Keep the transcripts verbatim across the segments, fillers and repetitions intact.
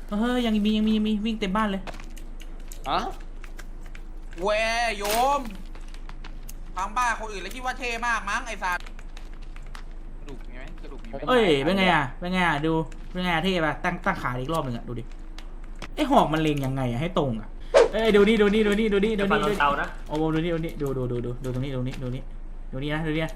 เฮ้ยยังมียังมียังมีวิ่งเต็มบ้านเลยอะเวยโยมฟังบ้านคนอื่นแล้วคิดว่าเท่มากมั้งไอ้สัตว์กระดูกมีไหมกระดูกมีไหมเอ้ยเป็นไงอ่ะเป็นไงอ่ะดูเป็นไงเท่ป่ะตั้งตั้งขาอีกรอบหนึ่งอ่ะดูดิไอ้หอกมันเล็งยังไงอ่ะให้ตรงอ่ะเอ้ยดูนี่ดูนี่ดูนี่ดูนี่ดูนี่ดูเตานะโอ้โหดูนี่ดูนี่ดูดูดูดูดูตรงนี้ดูนี่ดูนี่ดูนี่นะดูนี่นะ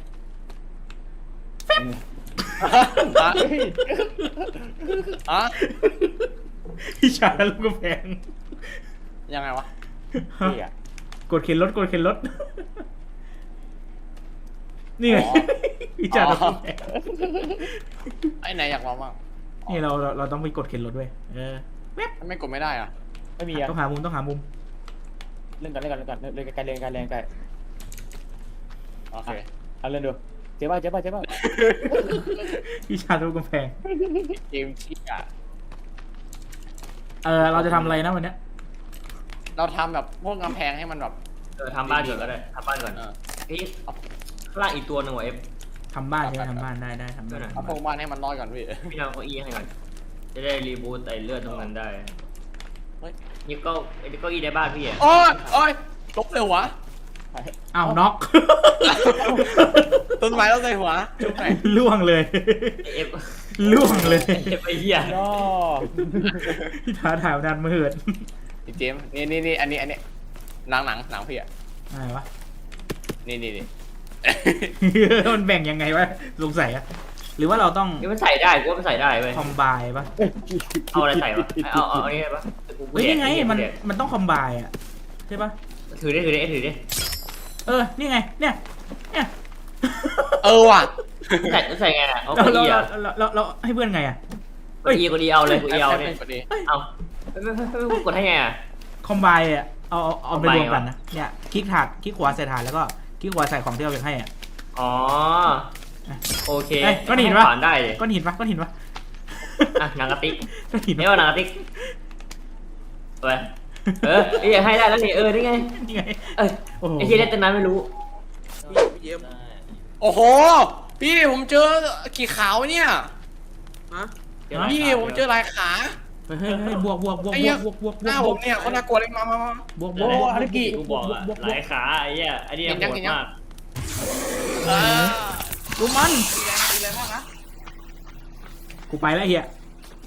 อะพี่ชายลูกกระแพงยังไงวะกดเข็นรถกดเข็นรถนี่ไงพี่ชายลูกกระแพงไอ้ไหนอยากลองบ้างนี่เราเราเราต้องไปกดเข็นรถด้วยเออไม่กดไม่ได้อ่ะไม่มีอ่ะต้องหามุมต้องหามุมเล่นกันเล่นกันเล่นกันเล่นกันไกลเล่นกันเล่นกันโอเคเอาเล่นดูเจ๊บ้าเจ๊บ้าเจ๊บ้าพี่ชายลูกกระแพงเกมที่อ่ะเออเราจะทำอะไรนะวันเนี้ยเราทำแบบพวกกำแพงให้มันแบบเออทำบ้านก่อนก็ได้ทำบ้านก่อนเออเฮ้ยข้างล่างอีกตัวหนึ่งว่ะเอฟทำบ้านใช่ไหมทำบ้านได้ได้ทำบ้านเอาพวกบ้านให้มันน้อยก่อนพี่พี่ทำเก้าอี้ให้ก่อนจะได้รีบูตไอเลือดตรงนั้นได้เฮ้ยนี่ก็เก้าอี้ในบ้านพี่อ่ะโอ้ยโอ้ยลบเลยวะอ้าวน็อกต้นไม้ต้องใส่หัวจุ๊บไหนล่วงเลยเอฟล่วงเลยเอฟไอเหี้ยย่อพี่ท้าถ่ายนานมาเหิดเจมส์นี่นี่นี่อันนี้อันนี้หนังหนังหนังพี่อ่ะอะไรวะนี่นี่นี่มันแบ่งยังไงวะสงสัยอะหรือว่าเราต้องนี่มันใส่ได้กูว่ามันใส่ได้เว้ยคอมไบปะเอาอะไรใส่วะเอาเอาเอาอันนี้ปะเฮ้ยนี่ไงมันมันต้องคอมไบอะใช่ปะถือได้ถือได้ถือได้เออนี่ไงเนี่ยเนี่ยเออว่ะใส่ใส่ไงอ่ะเอาเราเก้าเราอี้อ่ะเราเราเราให้เพื่อนไงอะเก้าอี้กูดีเอาเลยกูเอาเนี่ยพอดีเอาไม่ไม่ไม่ไม่กดให้ไงอ่ะคอมไบอะเอาเอาเอาไปรวมกันนะเนี่ยคลิกถาดคลิกขวาใส่ถาดแล้วก็คลิกขวาใส่ของที่เราอยากให้อะอ๋อโอเคเอ้ยก้อนหินปะผ่านได้เลยก้อนหินปะก้อนหินปะอ่ะหนังกระติกก้อนหินนี่ว่าหนังกระติกไปเออไอ้ยังให้ได้แล้วนี่เออนี่ไงนี่ไงเอ้ยโอ้โหไอ้ที่เล่นตั้งนานไม่รู้พี่เยี่ยมโอ้โหพี่ผมเจอขี่ขาวเนี่ยฮะพี่ผมเจอลายขาเฮ้ยเฮ้ยเฮ้ยบวกบวกบวกไอ้บเหี้วย กบวกบวกบหวน้าก ผมเนี่ยเขาน่ากลัวเลยมามามาบวกบโอ้วกบวกฮารุกิกูบอกอะหลายขาไอ้เหี้ยไอ้นี่โหดมากเออดูมันตีแรงตีแรงมากนะกูไปแล้วเฮีย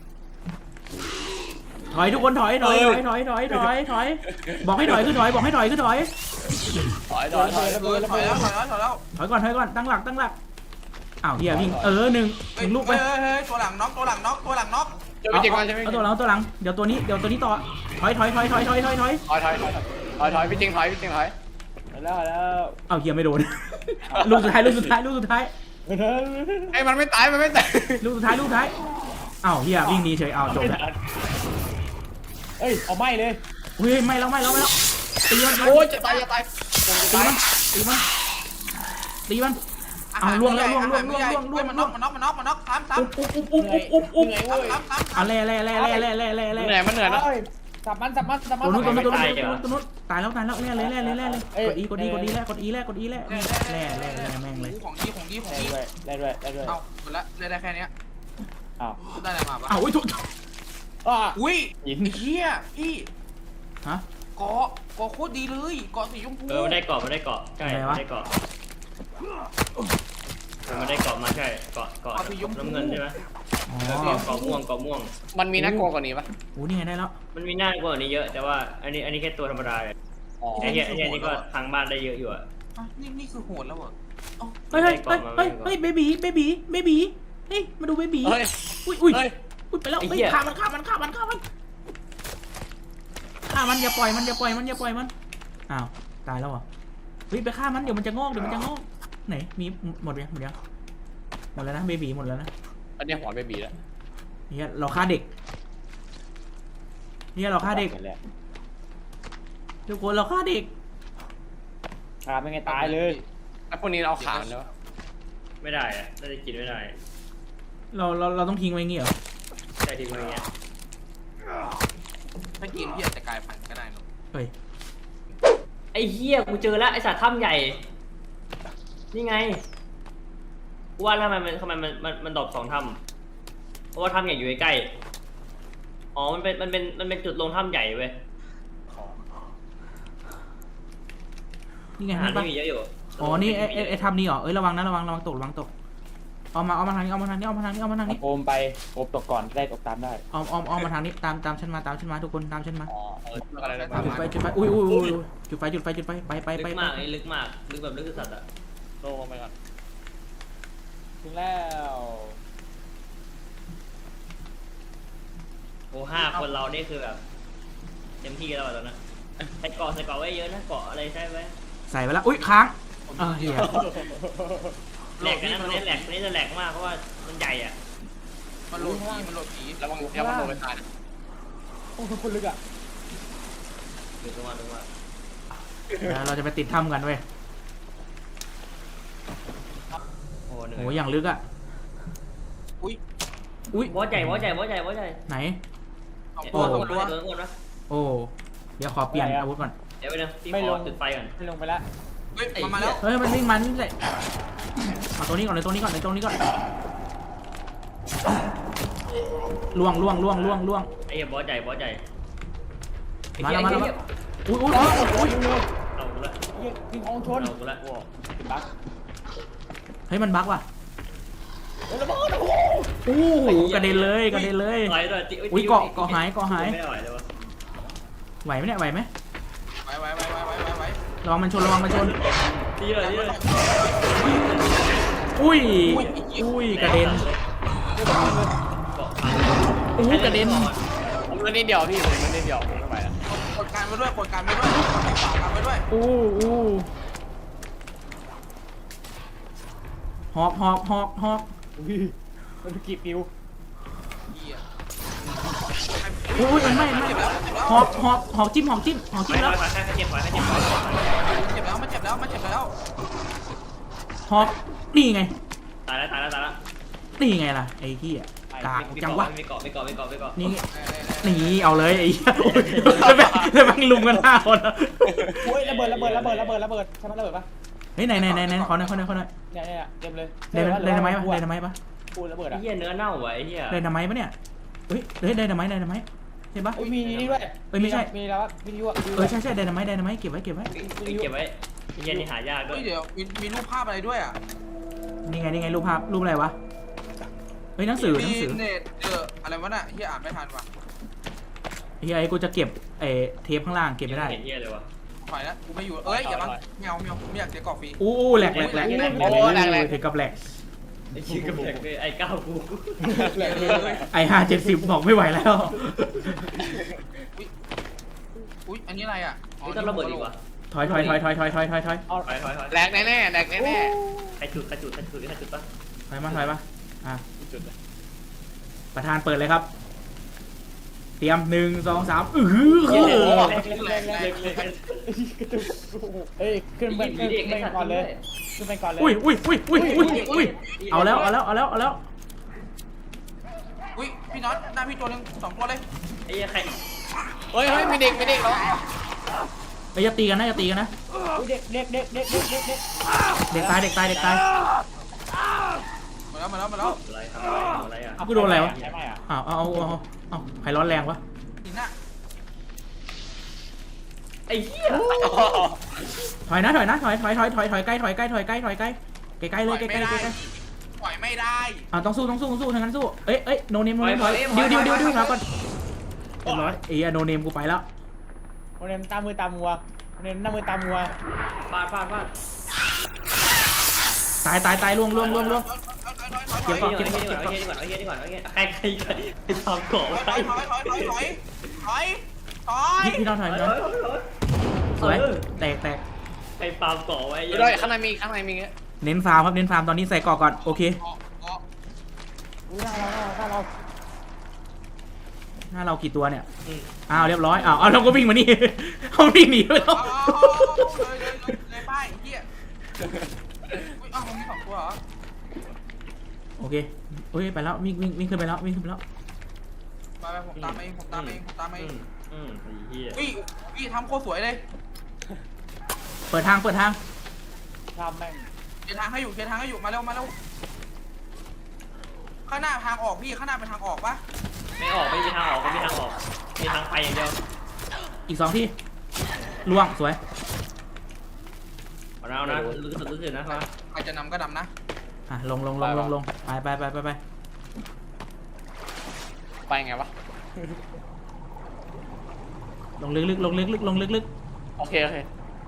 ถอยทุกคนถอยถอยถอยถอยถอยถอยถอยบอกให้ถอยขึ้นถอยบอกให้ถอยขึ้นถอยถอยถอยถอยเออถอยแล้วถอยแล้วถอยแล้วถอยก่อนถอยก่อนตั้งหลักตั้งหลักอ้าวเฮียวิ่งเออหนึ่งหนึ่งลูกไปเฮ้ยเฮ้ยตัวหลังน็อกตัวหลังน็อกตัวหลังน็อกจะเอาไปเจ็บก่อนจะไปเอาตัวหลังเอาตัวหลังเดี๋ยวตัวนี้เดี๋ยวตัวนี้ต่อถอยถอยถอยถอยถอยถอยถอยถอยถอยถอยถอยถอยพี่จริงถอยพี่จริงถอยแล้วแล้วเอาเฮียไม่โดนลูกสุดท้ายลูกสุดท้ายลูกสุดท้ายไอ้มันไม่ตายมันไม่ตายลูกสุดท้ายลูกสุดท้ายอ้าวเฮียวิ่งหนีเฉยอ้าวจบแล้วเอ้ยเอาไม่เลยเฮ้ยไม่แล้วไม่แล้วไม่แล้วตีมันโอ้ยจะตายจะตายจะตีตายมันตีมันตีมันเอาล่วงแล้วล่วงล่วงล่วงล่วงล่วงมันล่น็วอง กมันน็อกมันน็อกมันน็อกซ้ำซ้ำอุ๊บอุ๊บอุ๊บอุ๊บอุ๊บอุ๊บซ้ำซ้ำเอาเล่เล่เล่เล่เล่เล่เล่เล่เหนื่อยมันเหนื่อยนะสับมันสับมันสับมัตันวนู้นตัวนู้นตัวนู้นตัวนู้นตายแล้วตายแล้วเล่เล่เล่เล่เล่เลยกดอีกดอีกดอีแล่กดอีแล่กดอีแล่แล่แล่แล่แม่งเลยของดีของดีของได้ดีด้วยได้ด้วยได้ด้วยเอาหมดละได้ได้แค่นี้อ้าวได้อะไรมาปะอ้าวอุ้ยทุกอ้าอุ้ยเฮียพี่ฮะเกาะเกาะโคตรดีเลยเกาะสีชมพูเออมันได้เกาะมันได้เกาะใช่มันได้เกาะมันได้เกาะมาใช่เกาะเกาะน้ำเงินใช่ไหมอ๋อเกาะม่วงเกาะม่วงมันมีน่ากลัวกว่านี้ปะโอ้นี่ไงได้แล้วมันมีหน้ากว่านี้เยอะแต่ว่าอันนี้อันนี้แค่ตัวธรรมดาไอ้เหี้ยไอ้เหี้ยนี่ก็ทางบ้านได้เยอะอยู่อะนี่นี่คือโหดแล้วเหรอเฮ้ยเฮ้ยเฮ้ยเฮ้ยเฮ้ยเบบีเบบีเบบีเฮ้ยมาดูเบบีเฮ้ยอุ้ยอุ้ยเฮ้ยอุ้ยไปแล้วเฮ้ยฆ่ามันฆ่ามันฆ่ามันฆ่ามันฆ่ามันอย่าปล่อยมันอย่าปล่อยมันอย่าปล่อยมันอ้าวตายแล้วเหรอเฮ้ยไปฆ่ามันเดี๋ยวมันจะงอกเดี๋ยวมันจะงอกไหนมีหมดยังหมดยังหมดแล้วนะเบบีหมดแล้วนะอันนี้หัวเบบีแล้วเนี่ยเราฆ่าเด็กเนี่ยเราฆ่าเด็กทุกคนเราฆ่าเด็กขาเป็นไงตายเลยไอ้พวกนี้เราขามันเนอะไม่ได้อะน่าจะกินไม่ได้เราเราเราต้องทิ้งไว้อย่างงี้เหรอใช่ทิ้งไว้อย่างเงี้ยถ้ากินพี่อาจจะกลายพันธุ์ก็ได้เนอะเฮ้ยไอ้เหี้ยกูเจอแล้วไอ้สัตว์ถ้ำใหญ่นี่ไงว่าทำไมมันทำไมมันมันมันดรอปสองถ้ำเพราะว่าถ้ำใหญ่อยู่ใกล้ๆอ๋อมันเป็นมันเป็นมันเป็นจุดลงถ้ำใหญ่เว้ยนี่ไงอาหารนี่ปะที่มีเยอะอยู่อ๋อนี่ไอ้ไอ้ไอ้ทำนี่เหรอเอ้ยระวังนะระวังระวังตกระวังตกเอามาเอามาทางนี้เอามาทางนี้เอามาทางนี้เอามาทางนี้โอมไปโอมตกก่อนได้ตกตามได้เอาเอาเอามาทางนี้ตามตามฉันมาตามฉันมาทุกคนตามฉันมาอ๋อเออเรื่องอะไรนะจุดไฟจุดไฟอุ้ยอุ้ยอุ้ยจุดไฟจุดไฟจุดไฟไปไปไปลึกไปมากไอ้ลึกมากลึกแบบลึกสัตว์อ่ะโลงไปก่อนถึงแล้วโอ้ห้าคนเรานี่คือแบบเต็มที่แล้วอะตอนนั้นใส่เกาะใส่เกาะไว้เยอะนะเกาะอะไรใช่ไหมใส่ไปแล้วอุ้ยค้างอ่าเหี้ยแหลกกันนะมันนี้แหลกนี่จะแหลกมากเพราะว่ามันใหญ่อ่ะมันโหลดผีมันโหลดผีระวังอย่ามันโดนไปตายนะโอ้คนลึกอ่ะถึงตรงมาตรงมาแล้วเราจะไปติดถ้ำกันเว้ยโอ้เหนื่อยโหอย่างลึกอ่ะอุ้ยอุ้ยบอสใหญ่บอสใหญ่บอสใหญ่บอสใหญ่ไหนสองโอ้ตัวโหสองตัวโดนโดนนะโอ้เดี๋ยวขอเปลี่ยนอาวุธก่อนเดี๋ยวไปนะพี่ขอจุดไฟก่อนไม่ลงไปแล้วเฮ้ยมันมาแล้วเฮ้ยมันวิ่งมันวิ่งเลยเอาตัวนี้ก่อนเลยตัวนี้ก่อนเลยตัวนี้ก่อนล่วงล่วงล่วงล่วงล่วงไอ้เหี้ยบอสใหญ่บอสใหญ่มาแล้วมาแล้วไอ้เหี้ยอุ้ยอุ้ยอุ้ยเอากูละยิงยิงของชนเอากูละติดบั๊กเฮ้ยมันบั๊กว่ะโอ้ระเบิดโอ้โอ้โหกระเด็นเลยกระเด็นเลยไหวด้วยจิอุ้ยเกาะเกาะหายเกาะหายไม่ไหวเลยวะไหวไหมเนี่ยไหวไหมไว้ไว้ไว้ไว้ไว้ไว้ไว้ระวังมันชนระวังมันชนดีเลยดีเลยอุ้ยอุ้ยกระเด็นเกาะอู้กระเด็นผมมันนิดเดียวพี่ผมมันนิดเดียวผมไม่ไหวแล้วกดการไว้ด้วยกดการไว้ด้วยกดฝากการไว้ด้วยอู้อู้หอกหอกหอกหอกยมันกี่ปิวเหี้ยอุ้ยมันไม่ไม่เจ็บแล้วเจ็บแล้วหอกหอกหอกจิ้มหอกจิ้มหอกไปจิ้มแล้แล้ว วไปแค่เจ็บไปแค่เจ็บเจ็บแล้วมันเจ็บแล้วมันเจ็บแล้วหอกนี่ไงตายแล้วตายแล้วตายแล้วนี่ไงล่ะไอ้ที่อ่ะกากจังวะไม่เกาะไม่เกาะไม่เกาะไม่เกาะนี่เออเออเออนี่เอาเลยไอ้เหี้ยโอ้ยแล้วแม่งแล้วแม่งลุมกันห้าคนอะโอ้ยระเบิดระเบิดระเบิดระเบิดระเบิดใช่ไหมระเบิดปะเฮ้ยไหนไหนไหนไหนขอหน่อยขอหน่อยขอหน่อยเนี่ยเนี่ยเต็มเลยไดนาไดนาไมต์ปะไดนาไมต์ปะปูระเบิดไอ้อ่ะเหี้ยเนื้อเน่าไว้เหี้ยไดนาไมต์ปะเนี่ยเฮ้ยเฮ้ยไดนาไมต์ไดนาไมต์ใช่ปะโอ้ยมีนี่ด้วยเอ้ยไม่ใช่มีแล้ววิทยุอ่ะเออใช่ใช่ไดนาไมต์ไดนาไมต์เก็บไว้เก็บไว้เก็บไว้ไอ้เหี้ยนี่หายากด้วเฮ้ยยเดี๋ยวมีมีรูปภาพอะไรด้วยอ่ะนี่ไงนี่ไงรูปภาพรูปอะไรวะเฮ้ยหนังสือหนังสือมีเน็ตเจออะไรวะน่ะเฮียอ่านไม่ทันว่ะเฮ้ยไอ้กูจะเก็บไอ้เทปข้างล่างเก็บไม่ได้เห็นเหี้ยเลยวะถอยแล้วกูไม่อยู่เอ้ยอย่ามาแมวแมวผมไม่อยากเสียกรอบฟรีอู้แหลกแหลกแหลกถึงกับแหลกไอ้ชื่อกระแพงเลยไอ้ก้าวกูไอ้ห้าเจ็ดสิบบอกไม่ไหวแล้วอุ้ยอุ้ยอันนี้อะไรอ่ะนี่ต้องระเบิดอีกวะถอยถอยถอยถอยถอยถอยถอยถอยถอยถอยถอยแหลกแน่แน่ๆแหลกแน่แน่ใครจุดใครจุดใครจุดใครจุดปะถอยมาถอยมาอ่ะๆจุดเลยประธานเปิดเลยครับ เตรียมหนึ่งสองสามอือเฮ้ยคือแรงแรงแรงเฮ้ยขึ้นไปขึ้นไปก่อนเลยขึ้นไปก่อนเลยอุ้ยอุ้ยอุ้ยอุ้ยอุ้ยอุ้ยเอาแล้วเอาแล้วเอาแล้วเอาแล้วอุ้ยพี่น็อตหน้าพี่ตัวหนึงสองตัวเลยไอ้เหี้ยใครเฮ้ยเฮ้ยมีเด็กมีเด็กแล้วเอ้ยอย่าตีกันนะอย่าตีกันนะเด็กเด็กเด็กเด็กเด็กเด็กเด็กเด็กตายเด็กตายเด็กตายมาแล้วมาแล้วมาแล้วอะไรทำอะไรทำอะไรอ่ะกูโดนอะไรวะใช่ไหมอ่ะอ้าวเอาเอาเอาเอาใครร้อนแรงวะหินน่ะไอ้เหี้ยถอยนะถอยนะถอยถอยถอยถอยถอยใกล้ถอยใกล้ถอยใกล้ถอยใกล้ใกล้ใกล้เลยใกล้ใกล้ใกล้ใกล้ปล่อยไม่ได้อ่าต้องสู้ต้องสู้ต้องสู้ทางนั้นสู้เอ้ยเอ้ยโนเนมโนเนมถอยดิวดิวดิวดิวถอยก่อนเรียบร้อยเอ้ยโนเนมกูไปแล้วโมเดลตามมือตามมัวโมเดลหน้ามือตามมัวฟาดฟาดฟาดตายตายตายล่วงล่วงล่วงล่วงถอยถอยถอยถอยถอยเก็บก่อนไอ้เหี้ยนี่ก่อนไอ้เหี้ยนี่ก่อนไอ้เหี้ยนี่ก่อนไอ้เหี้ยใครใครใครไปทำเกาะถไว้อยถอยถอยถอยถอยถอยถอยพี่พี่น้องถอยพี่น้องสวยแตกแตกไอ้ฟาร์มเกาะไว้เดี๋ยวด้วยข้างในมีข้างในมีเงี้ยเน้นฟาร์มครับเน้นฟาร์มตอนนี้ใส่กรอกก่อนโอเคเกาะเกาะอุ้ยหน้าเราหน้าเราหน้าเรากี่ตัวเนี่ยอ้าวเรียบร้อยอ้าวเอาเราก็วิ่งมานี่ เขาวิ่งหนีไปแล้วเอาเลยเลยเลยเลยป้ายเฮียอุ้ยอ้าวมันมีสองตัวเหรอโอเคโอ้ยไปแล้ววิ่งวิ่งวิ่งขึ้นไปแล้ววิ่งขึ้นไปแล้วไปไปผมตามเองผมตามเองผมตามเองอืมไอ้เหี้ยอุ้ยอุ้ยทำโคตรสวยเลยเปิดทางเปิดทางทำแม่งเขียนทางให้อยู่เขียนทางให้อยู่มาเร็วมาเร็วข้างหน้าทางออกพี่ข้างหน้าเป็นทางออกปะไม่ออกไม่มีทางออกไม่มีทางออกมีทางไปอย่างเดียวอีกสองที่ล่วงสวยเอานะรู้สึกรู้สึกนะครัใครจะนำก็นำนะอ่ะลงลงลงลงลงไปไปไปไปไปไปไงวะลงลึกลึกลงลึกลึกลงลึกลึกโอเคโอเค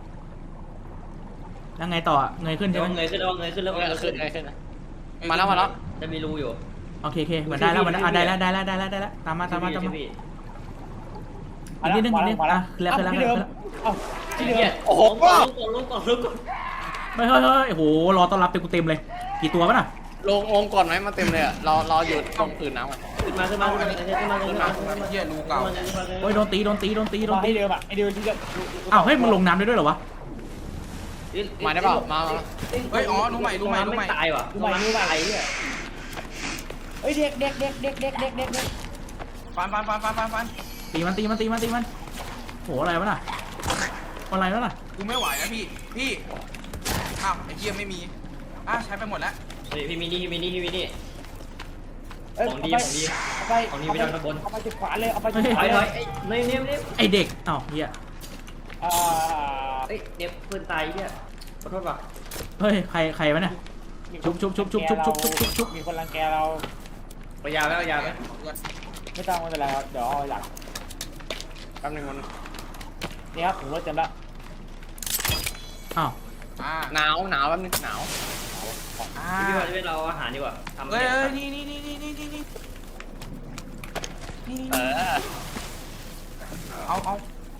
แล้วไงต่อเงยขึ้นใช่ไหมเงยขึ้นแล้วเงยขึ้นแล้วเอเงอย ขึ้ขึ้นนเออขึ้นนะมาแล้วมาแล้วจะมีรูอยู่โอเคโอเคเหมือนได้แล้วเหมือนได้อ่ะได้แล้วได้แล้วได้แล้วได้แล้วตามมาตามมาตามมาอีกนิดนึงอีกนิดนึงอ่ะแล้วแล้วที่แล้เดิวมเอ้าที่เดิมโอ้โหลงก่อนลงก่อนลงก่อนเฮ้ยเฮ้ยเฮ้ยโอ้โหรอต้อนรับเต็มกูเต็มเลยกี่ตัววะน่ะลงลงก่อนไหมมาเต็มเลยอ่ะรอรออยู่ตรงพื้นน้ำอ่ะขึ้นมาขึ้นมาขึ้นมาขึ้นมาขึ้นมาขึ้นมาเฮียรูเก่าโอ้ยโดนตีโดนตีโดนตีโดนตีที่เดิมอ่ะไอเดิมที่เดิมอ้าวเฮ้ยมึงลงน้ำได้ด้วยเหรอวะมาได้เปล่ามามาเฮ้ยอ๋อรู้ใหม่รู้ใหม่รู้ใหม่ตายว่ะดูใหม่ดูใหม่เนี่ยเฮ้ยเด็กเด็กเด็กเด็กเด็กเด็กเด็กเด็กฟันฟันฟันฟันฟันฟันตีมันตีมันตีมันตีมันโหอะไรวะน่ะอะไรวะน่ะกูไม่ไหวแล้วพี่พี่อ้าวไอ้เฮียไม่มีอ่ะใช้ไปหมดแล้วเฮ้ยพี่มินี่พี่มินี่พี่มินี่เอ้ยของดีของดีเอาไปของดีไปทางตะบนเอาไปจุดขวาเลยเอาไปจุดขถวาอยเลถอยยไอ้เนยเนยเนยไอเด็กอ้าวเฮียอ่าเอ้ยเนยเพื่อนตายเนี่ยขอโทษป่ะเฮ้ยใครใครวะเนี่ย ชุบชุบชุบชุบชุบชุบชุบชุบชุบมีคนรังแกเราไปยาวแล้วยาวแล้วไม่ต้องไม่เป็นไรครับเดี๋ยวเอาหลังแป๊บนึงมันนี่ครับผมรถเต็มแล้วอ้าวอ่าหนาวหนาวแป๊บนึงหนาวอ่าพี่ว่าจะเป็นเราอาหารดีกว่าทำเฮ้ยเนี่ยเฮ้ยนี่นี่นี่นี่นี่นี่นี่เออเอาเอา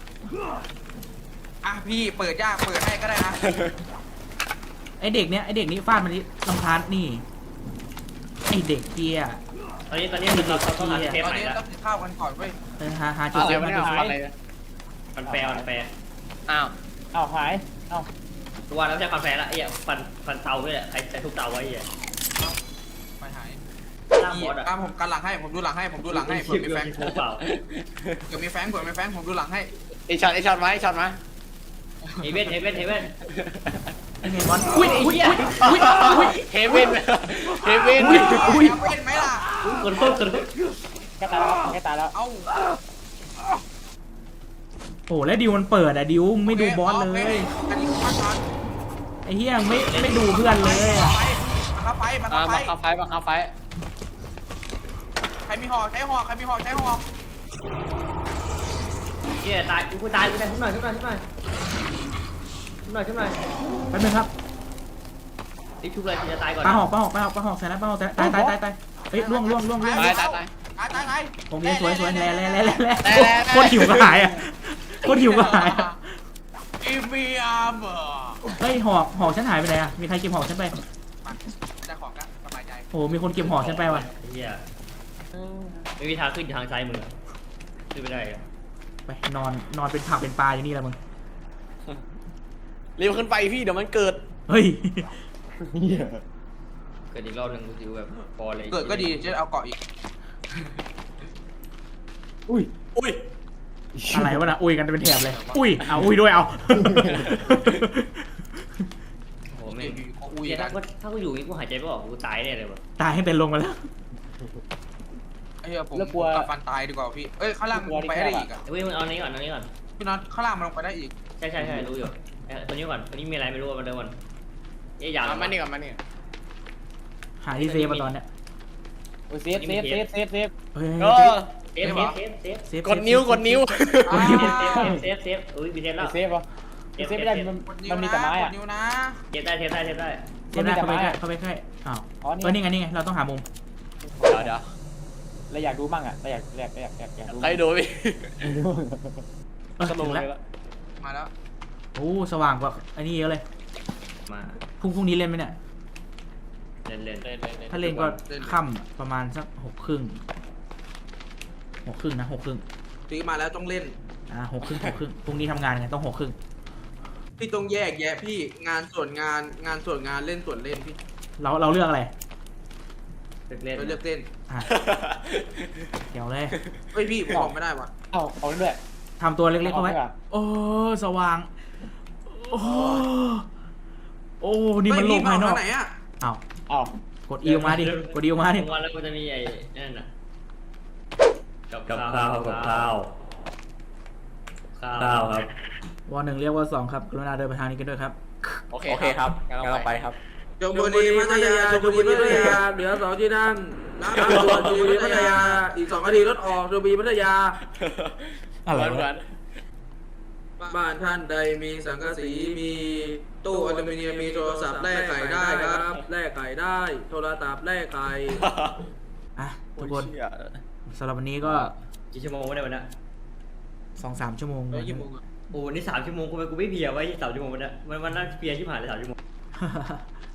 อ่ะพี่เปิดยากเปิดให้ก็ได้นะไอเด็กเนี้ยไอเด็กนี้ฟาดมันนี่ลำคาญนี่ไอเด็กเกียตอนนี้ตอนนี้เราเราต้องหาเทปตอนใหม่นี้แล้วต้องกินข้าวกันก่อนเว้ยเออหาหาจุดอะไรเซฟวะมาเนี่ยจุดเซฟอะไรมันแปลมันแปลอ้าวเอาหายเอาตัวแล้วใช้ความแปลละไอ้เนี่ยฟันฟันเตาด้วยแหละใครใช้ทุกเตาไว้ไอ้เนี่ยไม่หายล่างอีบอสอ่ะอ่ะผมกันหลังให้ผมดูหลังให้ผมดูหลังให้เผื่อมีแฟงเปล่าเผื่อมีแฟงเผื่อมีแฟงผมดูหลังให้ไอช็อตไอช็อตมาไอช็อตมาเฮเว่นเฮเว่นเฮเว่นไอเมนบอลอุ้ยอุ้ยอุ้ยอุ้ยอุ้ยเฮเว่นเฮเว่นอุ้ยอุ้ยเอาเป็นไหมล่ะคนโคตรคนแค่ตายแล้วแค่ตายแล้วเอาโอ้แล้วดิวมันเปิดอะดิวไม่ดูบอสเลยอันนี้คือมาทางไอเฮียไม่ไม่ดูเพื่อนเลยอะไปมาอ่าเข้าไปบังคับไฟบังคับไฟใครมีหอกใช้หอกใครมีหอกใช้หอกเฮียตายกูตายกูตายขึ้นหน่อยขึ้นหน่อยขึ้นหน่อยขึ้นหน่อยขึ้นหน่อยแป๊บนึงครับรีบชุบเลยจะตายก่อนปลาหอกปลาหอกปลาหอกปลาหอกใส่แล้วปลาหอกใส่แล้วตายตายตายตายเฮ้ยล่วงล่วงล่วงล่วงตายตายตายตายตายตายโอเคสวยสวยแล่แล่แล่แล่แล่แล่แล่โคตรหิวกระหายอะโคตรหิวกระหายอะอีเมียมเออเฮ้ยหอกหอกฉันหายไปไหนอะมีใครเก็บหอกฉันไปได้ของก็สบายใจโอ้มีคนเก็บหอกฉันไปว่ะเฮียไม่มีทางขึ้นทางซ้ายมือขึ้นไม่ได้ไปนอนนอนเป็นผักเป็นปลาอย่างนี้แหละมึงเร็วขึ้นไปพี่เดี๋ยวมันเกิดเฮ้ยเกิดอีกรอบหนึ่งกูถือแบบพอเลยเกิดก็ดีจะเอาเกาะอีกอุ้ยอุ้ยอะไรวะน่ะอุ้ยกันเป็นแถบเลย อุ้ยเอาอุ้ยด้วยเอาโอ้โหแม่เดี๋ยวงอยู่ก็อุ้ยเฮียกัถ้าน กูถ้ากูอยู่นี่กูหายใจไม่ออกกูตายแน่เลยว่ะตายให้เป็นลงมาแล้วไอ้เหี้ยผมกับฟันตายดีกว่าพี่เอ้ยข้างล่างมันไปได้อีกอ่ะเฮ้ยมึงเอานี้ก่อนเอานี้ก่อนพี่น็อตข้างล่างมันลงไปได้อีกใช่ใช่ใช่รู้อยู่ตัวนี้ก่อนตัวนี้มีอะไรไม่รู้มาเดิมก่อนเอ๊ยยาวมานี่ก่อนมานี่หาที่เซฟมาตอนเนี้ยโอ้ยเซฟเซฟเซฟเซฟเซฟเฮ้ยก็เซฟเซฟเซฟเซฟเซฟกดนิ้วกดนิ้วกดนิ้วเซฟเซฟเซฟอุ้ยมีเซฟแล้วเซฟวะเซฟไม่ได้มันกดนิ้วมันมีนะแต่ไม้กอะดนิ้วนะเซฟได้เซฟได้เซฟได้เซฟได้เข้าไปใกล้เข้าไปใกล้อ้าวอ๋อเออนี่นี่ไงนี่ไงเราต้องหามุมเดี๋ยวเดี๋ยวเราอยากดูมั่งอ่ะเราอยากอยากอยากอยากอยากดูใครดูพี่เออสโลถึงว์เลแล้วยละมาแล้วโอ้สว่างกว่าอันนี้เยอะเลยมาพรุ่งพรุ่งนี้เล่นไหมเนี่ยเล่นเล่นเล่นเล่นเล่นถ้าเล่นก็ค่ำอะประมาณสักหกครึ่งหกครึ่งนะหกครึ่งซื้อมาแล้วต้องเล่นอ่าหกครึ่งหกครึ่งพรุ่งนี้ทำงานไงต้องหกครึ่งพี่ต้องแยกแยะพี่งานส่วนงานงานส่วนงานเล่นส่วนเล่นพี่เราเราเลือกอะไรเล่นเราเลือกเต้นอ่ะเดี๋ยวเลยเฮ้ยพี่ผมบอกไม่ได้ว่ะเอาเอาด้วยทำตัวเล็กๆเข้าไว้เอาไว้ก่อนโอ้สว่างโอ้โอ้นี่มันโลกภายนอกเฮ้พี่เไหนอ่ะอ้าวเอากดอีออกมาดิกดอีออกมาดิวันแล้วกูจะมีไอ้นั่นน่ะกับกับข้าข้าว วกับข้าวข้าวข้าวครับวอหนึ่งเรียกวอสองครับกรุณาเดินไปทางนี้กันด้วยครับโอเคโอเคครับงั้นงั้นเราเราไปไปครับชลบุรีพัทยาชลบุรีพัทยาเหลือสองที่นั่งน้ำด่วนชลบุรีพัทยาอีกสองนาทีรถออกชลบุรีพัทยาอะไรเหมืวะอนบ้านท่านใดมีสังกะสีมีตู้อลูมิเนียมมีโทรศัพท์แลกไก่ได้ครับแลกไก่ได้ โทรศัพท์แลกไก่อ่ะทุกคนสำหรับวันนี้ก็กี่ชั่วโมงวะเนี่ยวันนี้สองสามชั่วโมงแล้วกี่โมงอะโอ้วันนี้สามชั่วโมงกูไปกูไม่เพลียไว้สามชั่วโมงวันนี้มันมันน่าเพลียที่ผ่านเลยสามชั่วโมง